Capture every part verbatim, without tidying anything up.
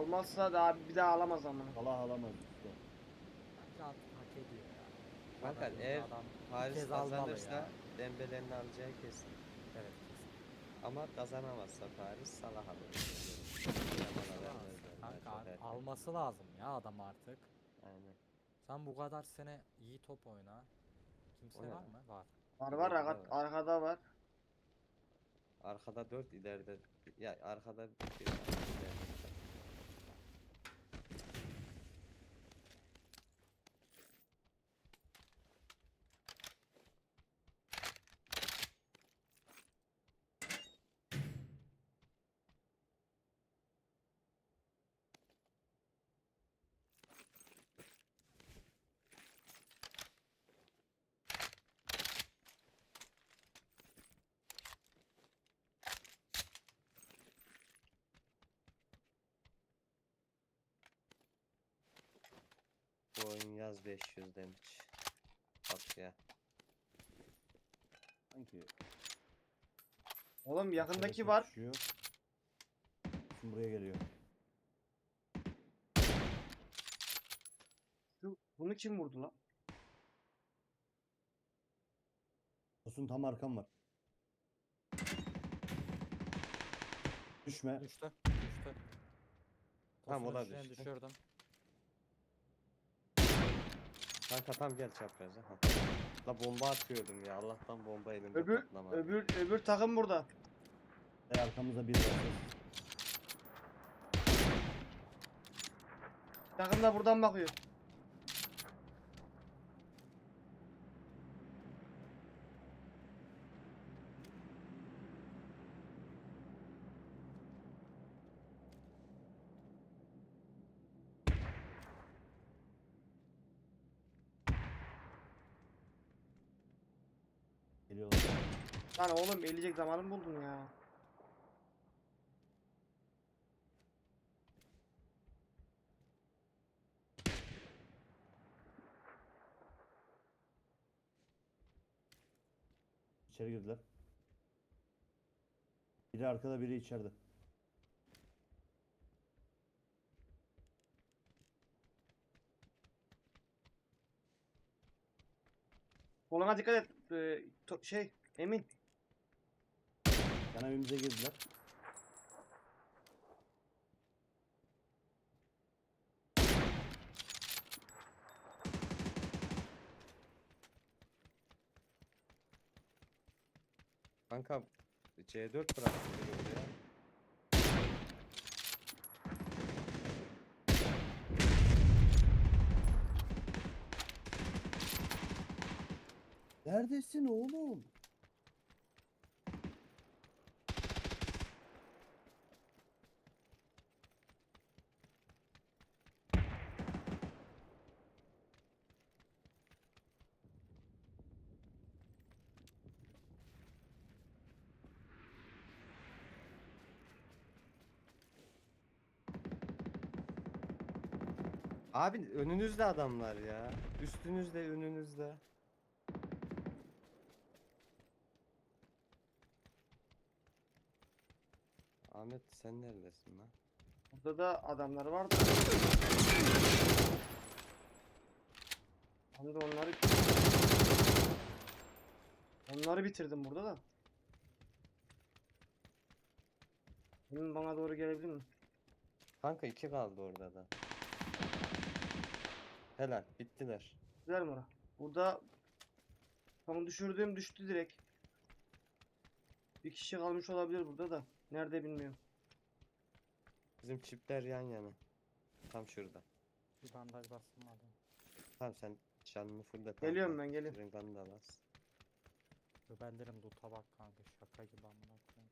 Almazsa da abi bir daha alamaz ama. Allah alamaz işte. Bence artık hak ediyor ya. Bu Kanka kadar yılda eğer adam bir Paris kez almalı kazanırsa ya. Dembele'nin alacağı kesin. Evet kesin. Ama kazanamazsa Paris Salah alır. Yamal'a vermezler. daha Kanka çok ar- erken. alması lazım ya adam artık. Aynen. Sen bu kadar sene iyi top oyna. O Kimse ne var lan? mı? Var. Var var İleri de arka- var. arkada var. Arkada dört, ileride ya arkada bir tane, ileride bir tane. Bu oyun yaz beş yüz demiş. Bak ya. Sanki Oğlum yakındaki arkadaşa var. düşüyor. Şimdi buraya geliyor. Şu, bunu kim vurdu lan? Tosun tam arkam var. Düşme. Düştü. Düştü. Tamam, o Tosun'un da içine düştü. düşürdüm. Kanka tam gel çapraza. Ha. La bomba atıyordum ya. Allah'tan bomba elimde Öbür patlamadı. öbür öbür takım burada. Ve arkamızda bir var. Takım da buradan bakıyor. Geliyorlar. Lan oğlum eleyecek zamanı buldun ya. İçeri girdiler. Biri arkada, biri içeride. Koluna dikkat et. Ee, to- şey Emin. Yan evimize girdiler. Kanka C dört bıraktım biri oraya. Neredesin oğlum? Abi önünüzde adamlar ya. Üstünüzde, önünüzde. Ahmet sen neredesin lan? Burada da adamlar var da. Ben de onları onları bitirdim burada da. Emin bana doğru gelebilir mi? Kanka iki kaldı orada da. Helal, bittiler. Güzel mi ora? Burada tam düşürdüğüm düştü direkt. Bir kişi kalmış olabilir burada da. Nerede bilmiyorum. Bizim çipler yan yana. Tam şurada. Bir bandaj bastım adam. Tamam sen canını fulle tamam. Geliyorum tamam. ben, geliyorum. Senin kanını da bas. Göbellerim loot'a bak kanka, şaka gibi amına koyayım.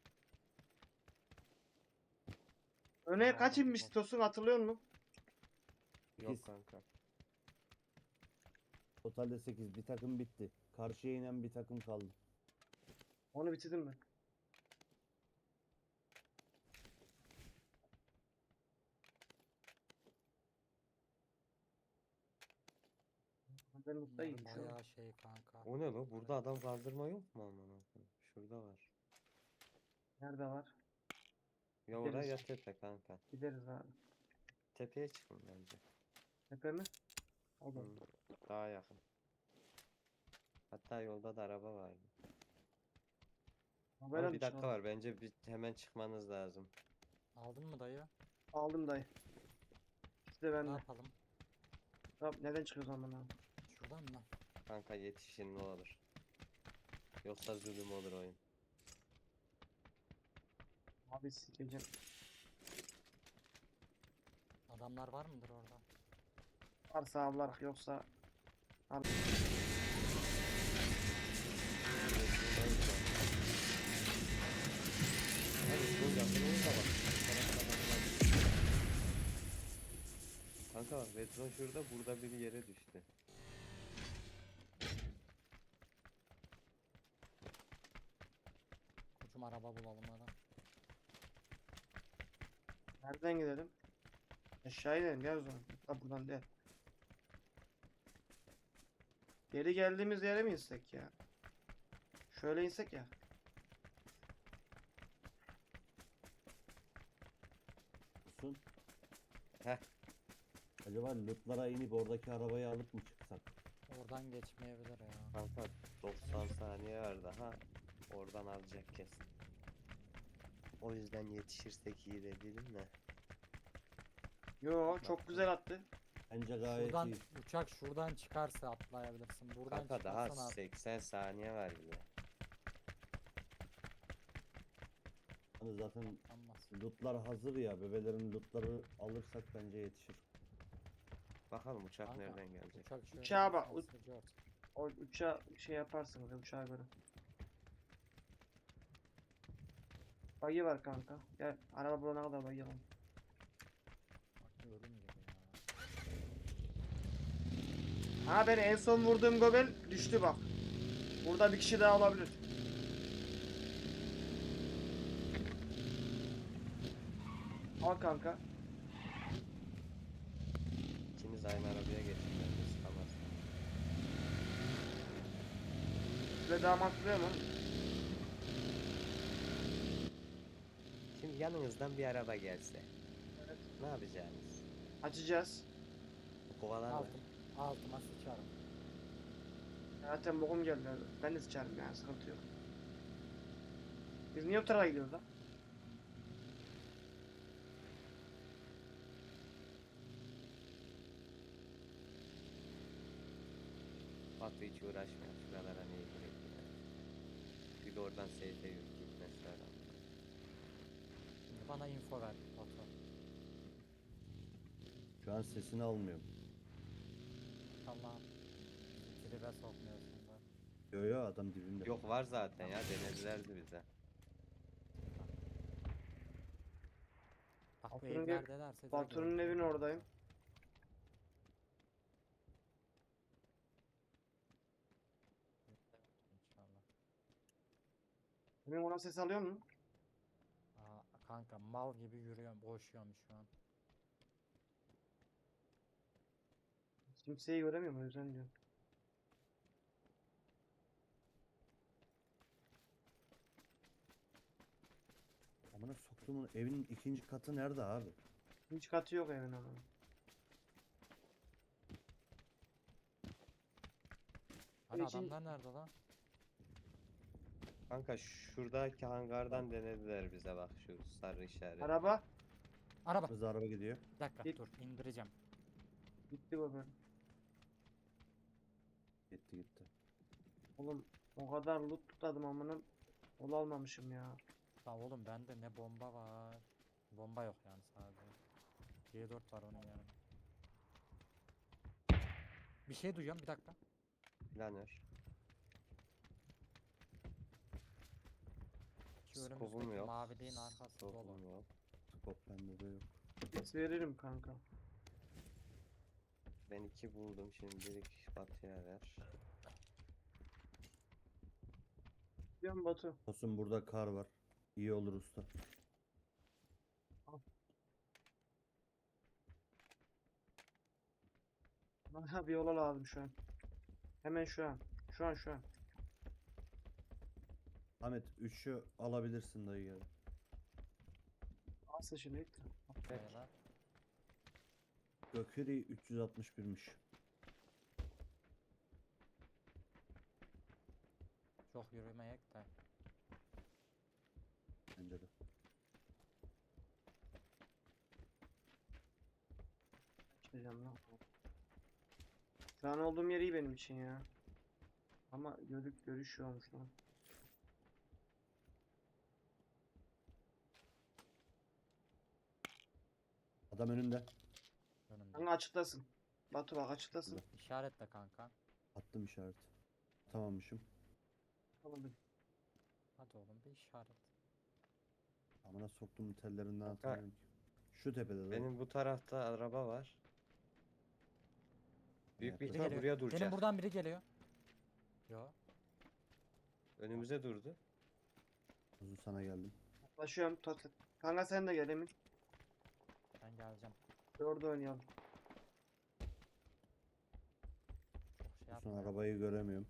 Öne Tamam, kaç tamam. inmiş Tosun, hatırlıyor musun? Yok Sekiz. kanka. Totalde sekiz. Bir takım bitti. Karşıya inen bir takım kaldı. Onu bitirdim ben. Ben mutluyum Bunlar şu an. bayağı şey kanka. O ne lan? Burada adam kaldırma yok mu amına koyayım? Şurada var. Nerede var? Ya oraya Gideriz. ya tepe kanka. Gideriz abi. Tepeye çıkın bence. Tepe mi? Olur. Hı, daha yakın. Hatta yolda da araba vardı. Haber Ama al bir dakika çıkalım. var. Bence bir hemen çıkmanız lazım. Aldın mı dayı? Aldım dayı. İkisi de Ne bende. yapalım? Tamam, neden çıkıyoruz ama abi? Şuradan mı? Kanka yetişin ne olur. Yoksa zulüm olur oyun. Abi sikeceğim. Adamlar var mıdır orada? Varsa avlarak yoksa Hadi şunun yakınına da bak. Kanka bak Redron şurada, burada biri yere düştü. Koçum araba bulalım hadi. nereden gidelim? Aşağı inelim ya o zaman. Ha, buradan değil. Geri geldiğimiz yere mi insek ya? Şöyle insek ya. Olsun. Heh. Acaba lootlara inip oradaki arabayı alıp mı çıksak? Oradan geçmeyebilir ya. Kanka doksan saniye var daha. Oradan alacak kesin. O yüzden yetişirsek iyi de dedim de. Yo, çok güzel attı. Bence gayet Şuradan iyi. uçak şuradan çıkarsa atlayabilirsin. Buradan Kanka daha çıkarsan at. seksen saniye var bile. Hani zaten Atlanmaz. lootlar hazır ya. Bebelerin lootları alırsak bence yetişir. Bakalım uçak Kanka, nereden gelecek. Uçak şöyle Uçağa bak, alsa George. O uçağa şey yaparsınız ya, uçağa göre. Bagi var kanka. Gel araba bulana kadar bagi alalım. Bak ölüm gibi ya. Ha, ben en son vurduğum gobel düştü bak. Burada bir kişi daha olabilir. Al kanka. İkiniz aynı arabaya geçin bence sıkamaz. Şöyle daha mantıklı mu? Şimdi yanınızdan bir araba gelse. Evet. Ne yapacaksınız? Açacağız. Kovalar mı? Altım, altıma sıçarım. Zaten bokum geldi. Ben de sıçarım yani, sıkıntı yok. Biz niye o tarafa gidiyoruz lan? Batu hiç uğraşmıyor. Şuralara niye gireyim ya. Bir de oradan seyfe yürü gitmesi lazım. Şimdi bana info ver Batu. Şu an sesini almıyorum. Allah'ım. Tribe sokmuyorsun da. Yo yo, adam dibinde. Yok var zaten ya, denedilerdi bize. Bak bu Batu'nun ev- evlerdelerse direkt Batu'nun öldürürüm evinin ben oradayım. seni. İnşallah. Benim ona ses alıyor mu? Aa, kanka mal gibi yürüyorum, koşuyorum şu an. Kimseyi göremiyorum, o yüzden diyorum. Amına soktuğumun evinin ikinci katı nerede abi? Hiç katı yok evin ama. Hani için- adamlar nerede lan? Kanka şuradaki hangardan denediler bize, bak şu sarı işaret. Araba Araba. Hızlı araba gidiyor. Bir dakika Git. dur indireceğim. gitti gobel. Gitti gitti. Oğlum o kadar loot tutadım amına. Ol almamışım ya. La oğlum bende ne bomba var. Bomba yok yani sadece. G dört var onun yanında. Bir şey duyuyorum bir dakika. Planör. Şu Skopum önümüzdeki yok. maviliğin arkası dolu. Skopum yok. Skop bende de yok. Ses veririm kanka. Ben iki buldum, şimdilik Batı'ya ver. Diyorum Batu. Olsun, burada kar var. İyi olur usta. Bana bir yola lazım şu an. Hemen şu an. Şu an şu an. Ahmet üçü alabilirsin dayı gel. Nasıl şimdi? Beyler. Gökeri üç yüz altmış birmiş. Çok yürümeyek de. Bence de. Açacağım lan. Şu an olduğum yer iyi benim için ya. Ama görük görüşüyormuş lan. Adam önünde. Önümde. Kanka açıklasın. Batu bak açıklasın. İşaretle kanka. Attım işaret. Tamammışım. Tamam. Hadi oğlum bir işaret. Amına soktum tellerinden Kanka, atamıyorum ki. Şu tepede de. Benim bu tarafta araba var. Büyük bir Evet, Biri ihtimal geliyor. buraya duracak. Benim buradan biri geliyor. Yo. Önümüze durdu. Uzun sana geldim. Yaklaşıyorum. Tot- Kanka sen de gel Emin. Ben geleceğim. Dörde oynayalım. Çok şey Son yapma. ya. arabayı göremiyorum.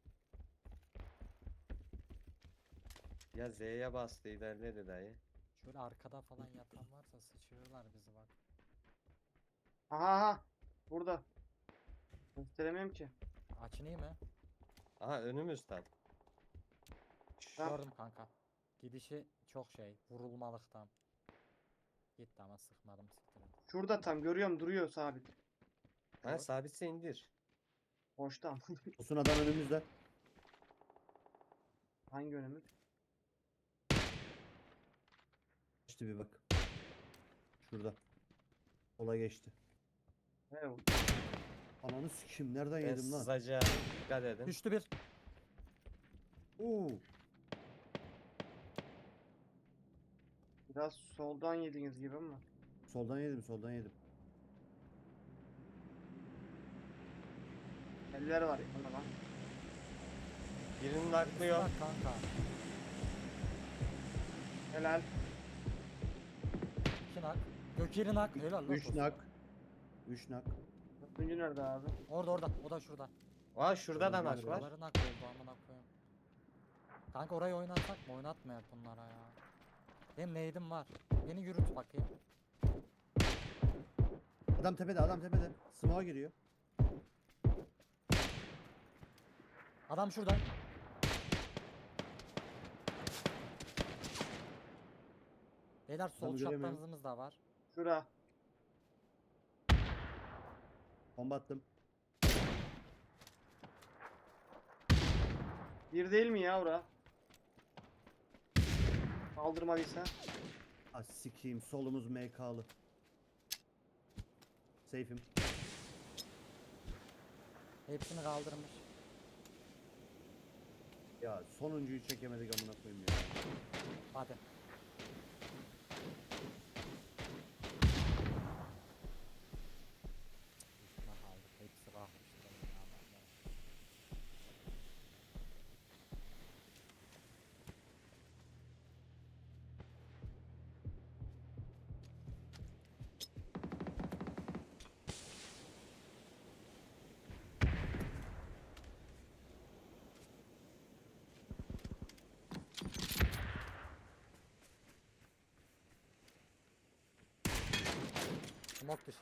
Ya Z'ye bastı ilerledi dayı. Şöyle arkada falan yatan varsa sıçırırlar bizi bak. Aha aha. Burada. Gösteremiyorum ki. Açınayım mı? Aha önümüz tam. Tamam. Gördüm kanka. Gidişi çok şey. Vurulmalıktan. Gitti ama sıkmadım siktirim. Şurada tam görüyorum duruyor sabit. Ha Yok. sabitse indir. Boşta. Olsun adam önümüzde. Hangi önümü? İşte bir bak. Şurada. Sola geçti. He, o- Ananı sikeyim nereden Ben yedim lan? sızacağım. Dikkat edin. Düştü bir. Oo. biraz soldan yediniz gibi ama. Soldan yedim soldan yedim. Eller var yanında lan. Birinin aklıyor. Bak kanka. Helal. İki nak. Gökeri nak. Helal lan. Üç olsun. nak. Üç nak. Dördüncü nerede abi? Orada orada. O da şurada. Aa şurada da Şurada nak var. Şuraları nak oldu amına koyayım. Kanka orayı oynatsak mı? Oynatmayak bunlara ya. Benim neydim var. Beni yürüt bakayım. Adam tepede adam tepede. Smoke'a giriyor. Adam şurada. Beyler sol Adamı göremiyorum. çaprazımız da var. Şura. Bomba attım. Bir değil mi ya ora? Kaldırmadıysa. Ah sikeyim solumuz M K'lı. Safe'im. Hepsini kaldırmış. Ya sonuncuyu çekemedik amına koyayım ya. Hadi. Üstüne kaldık. Hepsi kalkmıştı benim ya benden. Smoke dışı.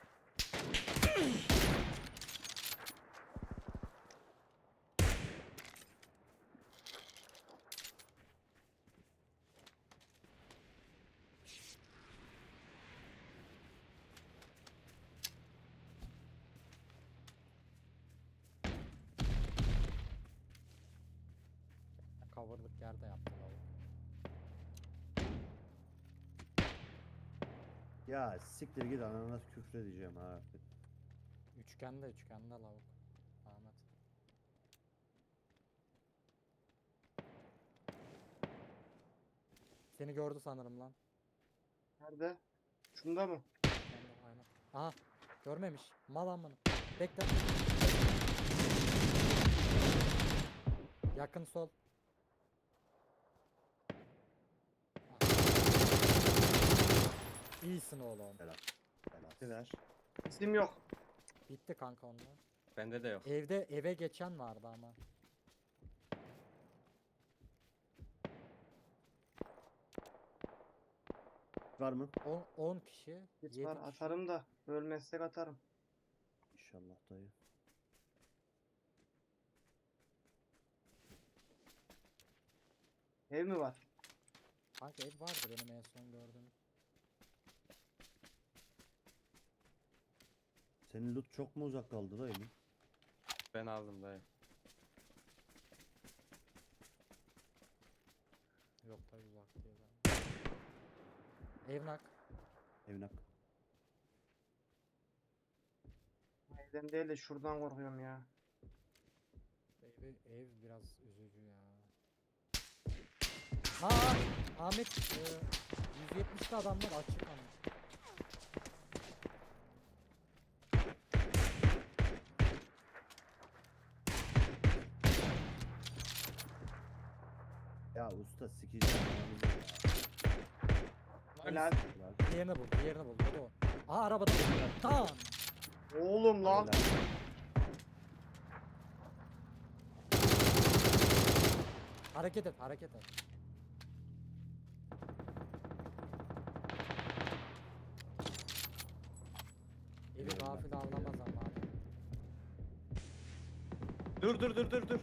Coverlık yerde yaptı lavuk. Ya siktir git anana küfür edeceğim ha. Üçgende üçgende lavuk. Ahmet. Seni gördü sanırım lan. Nerede? Şunda mı? Ben de aynen. Aha görmemiş. Mal amına. Bekle. Yakın sol. İyisin oğlum. Helal. Helal. Gittiler. İsim yok. Bitti kanka onlar. Bende de yok. Evde eve geçen vardı ama. Var mı? on kişi. Git yedi var kişi. atarım da. Ölmezsek atarım. İnşallah dayı. Ev mi var? Kanka ev vardı benim en son gördüğüm. Senin loot çok mu uzak kaldı dayı? Ben aldım dayı. Yok da uzak diyor ben. Evnak. Evnak. Evden değil de şuradan korkuyorum ya. Ev, ev biraz üzücü ya. Aa, Ahmet e, yüz yetmişli adamlar açık ama. Ya usta sikeceğim anamızı ya. Helal. Helal. Diğerini bul, diğerini bul. O da o. Aa arabada. Tamam. Oğlum lan. Helal. Hareket et, hareket et. Evi Eyvallah. gafil avlamaz ama abi. Dur dur dur dur dur.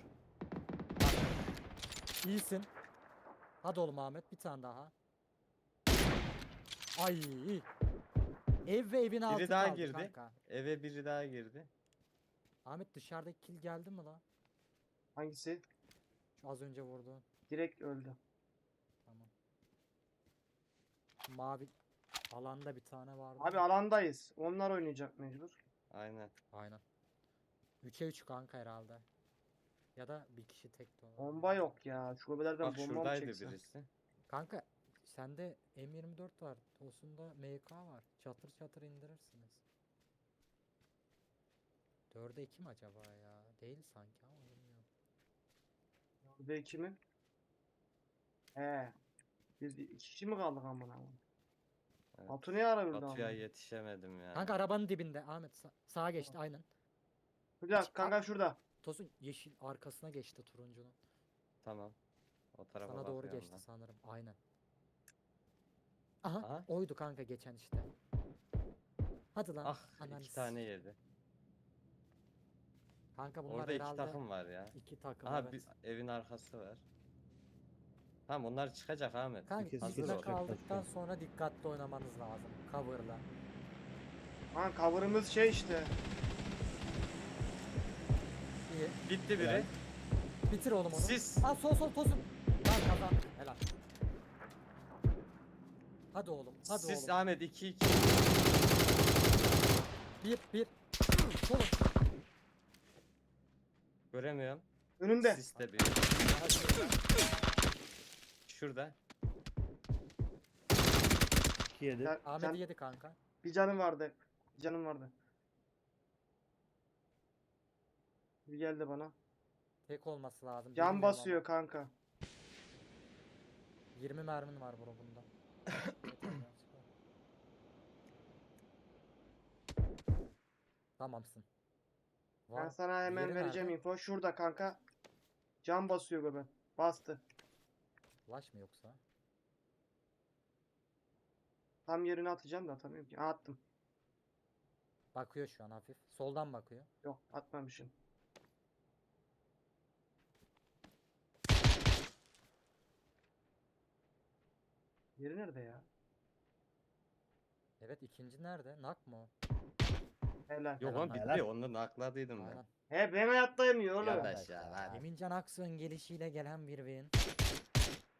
İyisin. Hadi oğlum Ahmet bir tane daha. Ay. Ev ve evin altı Biri daha kaldı girdi. kanka. Eve biri daha girdi. Ahmet dışarıdaki kill geldi mi lan? Hangisi? Şu az önce vurdu. Direkt öldü. Tamam. Mavi alanda bir tane vardı. Abi alandayız. Onlar oynayacak mecbur. Aynen. Aynen. üçe üç kanka herhalde. Ya da bir kişi tek de olabilir. Bomba yok ya. Şubelerden Bak bomba mı şuradaydı çeksen? birisi. Kanka sende M yirmi dört var. Tosunda M K var. Çatır çatır indirirsiniz. dörde iki mi acaba ya? Değil sanki ama bilmiyorum. Burada iki mi? He. Biz iki kişi mi kaldık amına? Evet. Batu ne ara öldü Batu'ya amına? yetişemedim ya. Kanka arabanın dibinde Ahmet sa- sağa geçti aynen. Bir dakika kanka şurada. Tosun yeşil arkasına geçti turuncunun. Tamam. O tarafa Sana doğru bakıyorum geçti ben. sanırım. Aynen. Aha, Aha. oydu kanka geçen işte. Hadi lan. Ah ananı iki tane s- yedi. Kanka bunlar Orada iki herhalde takım var ya. iki takım Aha evet. bir evin arkası var. Tamam onlar çıkacak Ahmet. Kanka İkisi iki hazır ol. dakika aldıktan Başka. sonra dikkatli oynamanız lazım. Cover'la. Lan cover'ımız şey işte. İyi. Bitti biri. Helal. Bitir oğlum onu. Siz. Aa sol sol tosun. Lan kazandık. Helal. Hadi oğlum. Hadi Siz oğlum. Ahmet iki iki. Bir bir. Solun. Göremiyorum. Önümde. Sis de bir. Şurada. iki yedi. Can- Ahmet'i can- yedi kanka. bir canım vardı. Bir canım vardı. Bir geldi bana. Tek olması lazım. Can bilmiyorum basıyor ama. kanka. yirmi mermin var bro bunda. Tamamsın. Ben Var. sana hemen Diğeri vereceğim nerede? info. Şurada kanka. Can basıyor göbek. Bastı. Flash mı yoksa? Tam yerine atacağım da atamıyorum ki. Aa, attım. Bakıyor şu an hafif. Soldan bakıyor. Yok atmamışım. Yeri nerede ya? Evet ikinci nerede? Nak mı o? Helal. Yok Helal, oğlum helal. bitti. Onu nakladıydım ben. Aynen. He ben hayattayım ya oğlum. Yat aşağı lan. Emincan Aksu'nun gelişiyle gelen bir win.